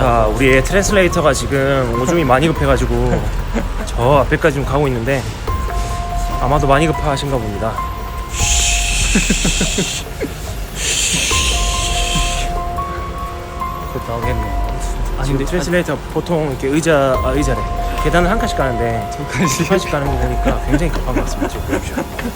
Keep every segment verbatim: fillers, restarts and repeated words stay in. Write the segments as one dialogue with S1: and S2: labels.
S1: 자, 우리의 트랜슬레이터가 지금 오줌이 많이 급해가지고 저 앞에까지 좀 가고 있는데 아마도 많이 급하신가 봅니다. 곧 나오겠네. 지금 근데 트랜슬레이터 보통 이렇게 의자, 아 의자래. 계단을 한 칸씩 가는데 두 칸씩, 두 칸씩 가는 거 보니까 굉장히 급한 것 같습니다. 지금 보십시오.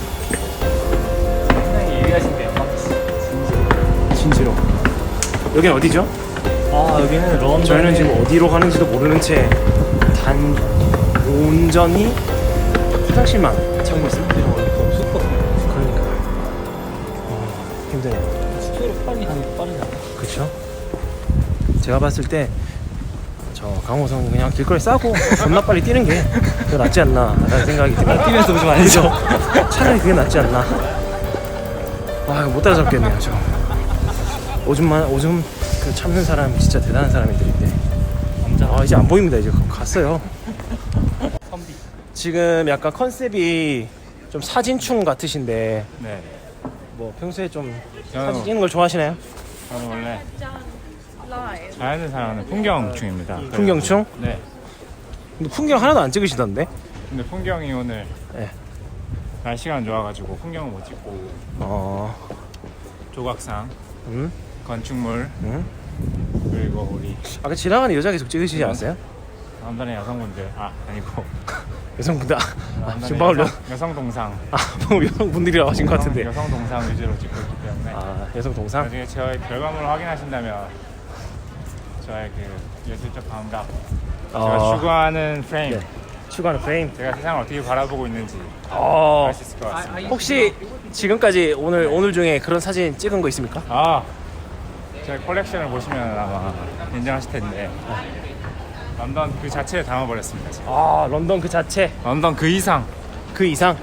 S2: 상당히 예리하신데요.
S1: 진지로. 여긴 어디죠?
S2: 아, 여기는 런던.
S1: 저희는 지금 어디로 가는지도 모르는 채 단 온전히 화장실만 찾고 있습니다.
S2: 너무 춥거든요.
S1: 그러니까 어, 힘드네요.
S2: 숙소로 빨리 가는 게 빠르지 않나?
S1: 그렇죠? 제가 봤을 때 저 강호성이 그냥 길거리 싸고 겁나 빨리 뛰는 게 더 낫지 않나 라는 생각이 듭니다.
S2: 뛰면서 오줌 안 해죠.
S1: 차라리 그게 낫지 않나. 아 이거 못 따라잡겠네요. 저 오줌만 오줌 그 참는 사람 진짜 대단한 사람들인데
S2: 남자.
S1: 아 이제 안 보입니다. 이제 갔어요.
S2: 선비.
S1: 지금 약간 컨셉이 좀 사진충 같으신데
S3: 네.
S1: 뭐 평소에 좀
S3: 저는,
S1: 사진 찍는 걸 좋아하시나요?
S3: 저는 원래 자연을 사랑하는 풍경충입니다.
S1: 풍경충?
S3: 네.
S1: 근데 풍경 하나도 안 찍으시던데?
S3: 근데 풍경이 오늘
S1: 네.
S3: 날씨가 안 좋아가지고 풍경을 못 찍고
S1: 어,
S3: 조각상,
S1: 음,
S3: 건축물
S1: 음.
S3: 그리고 우리
S1: 아까 지나가는 여자 계속 찍으시지 않았어요?
S3: 남단의 여성분들 아 아니고
S1: 여성분들, 아,
S3: 남단의
S1: 지금 방금 여,
S3: 여성, 여성 동상
S1: 아, 방금 여성분들이라고 하신 것 같은데.
S3: 여성 동상 위주로 찍고 있기 때문에
S1: 아, 여성 동상?
S3: 나중에 저의 결과물을 확인하신다면 저의 그 예술적 감각, 제가
S1: 어,
S3: 추구하는 프레임,
S1: 네. 추가하는 프레임.
S3: 제가 세상을 어떻게 바라보고 있는지
S1: 어,
S3: 알 수 있을 것 같습니다.
S1: 혹시 지금까지 오늘 오늘 중에 그런 사진 찍은 거 있습니까?
S3: 아, 제 컬렉션을 보시면 아마 인정하실 텐데 런던 그 자체를 담아버렸습니다. 지금.
S1: 아, 런던 그 자체,
S3: 런던 그 이상.
S1: 그 이상.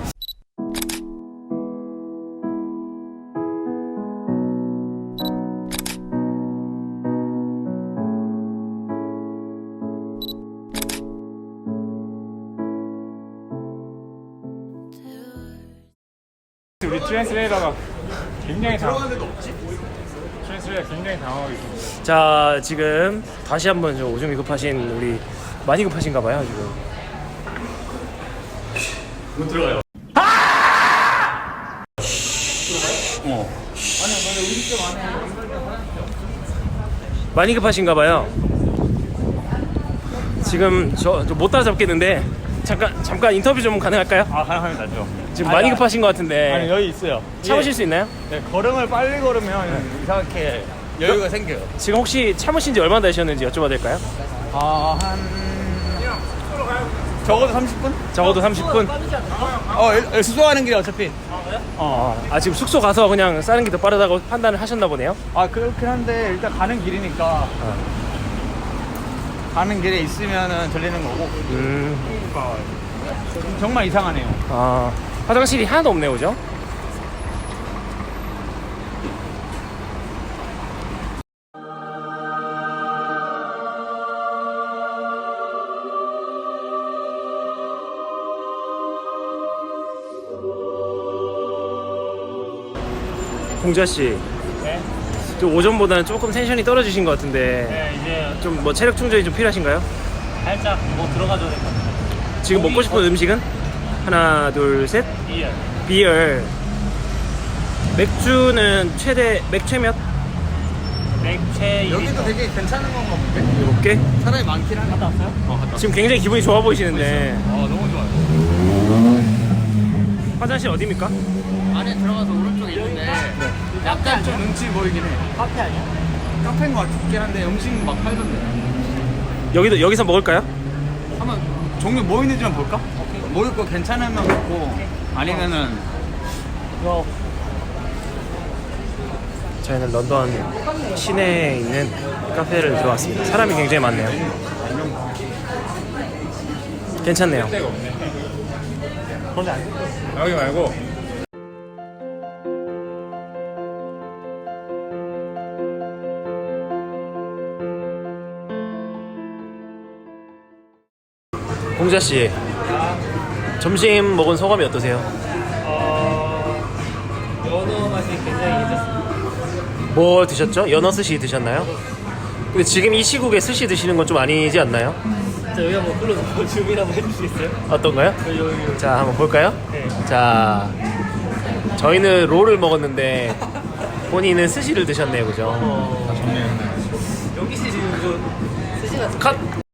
S3: 우리 트랜스레이터가 굉장히 당황. 트랜스레이터 굉장히 당황하고 있습니다.
S1: 자, 지금 다시 한번 저 오줌이 급하신 우리 많이 급하신가 봐요, 지금. 못 들어가요. 어. 많이 급하신가 봐요. 지금 저 못 따라잡겠는데 잠깐 잠깐 인터뷰 좀 가능할까요?
S2: 아, 가능합니다. 죠.
S1: 지금 많이 급하신 것 같은데
S2: 아니, 여기 있어요.
S1: 참으실 수 있나요?
S2: 네, 걸음을 빨리 걸으면 이상하게 여유가 생겨요.
S1: 지금 혹시 참으신 지 얼마나 되셨는지 여쭤봐도 될까요?
S2: 아, 한 적어도 삼십 분?
S1: 적어도 삼십 분?
S2: 어, 일- 숙소 가는 길에 어차피.
S1: 어. 아, 지금 숙소 가서 그냥 싸는 게 더 빠르다고 판단을 하셨나 보네요.
S2: 아, 그렇긴 한데 일단 가는 길이니까 가는 길에 있으면은 들리는 거고.
S1: 음,
S2: 정말 이상하네요.
S1: 아, 화장실이 하나도 없네요, 그죠? 공자 씨,
S3: 네.
S1: 좀 오전보다는 조금 텐션이 떨어지신 것 같은데
S3: 네, 이제
S1: 좀 뭐 체력 충전이 좀 필요하신가요?
S3: 살짝 뭐 들어가줘야 될 것 같아요.
S1: 지금 먹고 싶은 음식은? 하나, 둘, 셋.
S3: 이열.
S1: 비열. 맥주는 최대 맥최 몇?
S3: 맥체
S2: 여기도 되게 괜찮은 건가 본데?
S1: 일곱 개?
S2: 사람이 많긴 한데. 갔다 왔어요? 어, 갔다 왔어요.
S1: 지금 굉장히 기분이 좋아 보이시는데
S2: 아, 너무 좋아요.
S1: 화장실 어디입니까?
S2: 안에 들어가서 오른쪽에 있는데 약간 좀 눈치 보이긴 해.
S3: 카페 아니야?
S2: 카페인 것 같긴 한데 음식 막 팔던데.
S1: 여기도 여기서 먹을까요?
S2: 한번 종류 뭐 있는지만 볼까? 먹을 거 괜찮으면 먹고 아니면은
S3: 이거
S1: 저희는 런던 시내에 있는 카페를 들어왔습니다. 사람이 굉장히 많네요. 괜찮네요.
S3: 그런데 안 돼. 여기 말고
S1: 공자 씨, 점심 먹은 소감이 어떠세요?
S3: 어... 연어 맛이 굉장히 괜찮습니다.
S1: 뭐 드셨죠? 연어 스시 드셨나요? 근데 지금 이 시국에 스시 드시는 건 좀 아니지 않나요?
S4: 자, 여기 한번 불러서 주민 한번 해주시겠어요?
S1: 어떤가요?
S4: 여기, 여기, 여기.
S1: 자, 한번 볼까요?
S4: 네.
S1: 자, 저희는 롤을 먹었는데 본인은 스시를 드셨네요, 그죠?
S4: 어... 여기 지금 그 스시 같은
S1: 컷!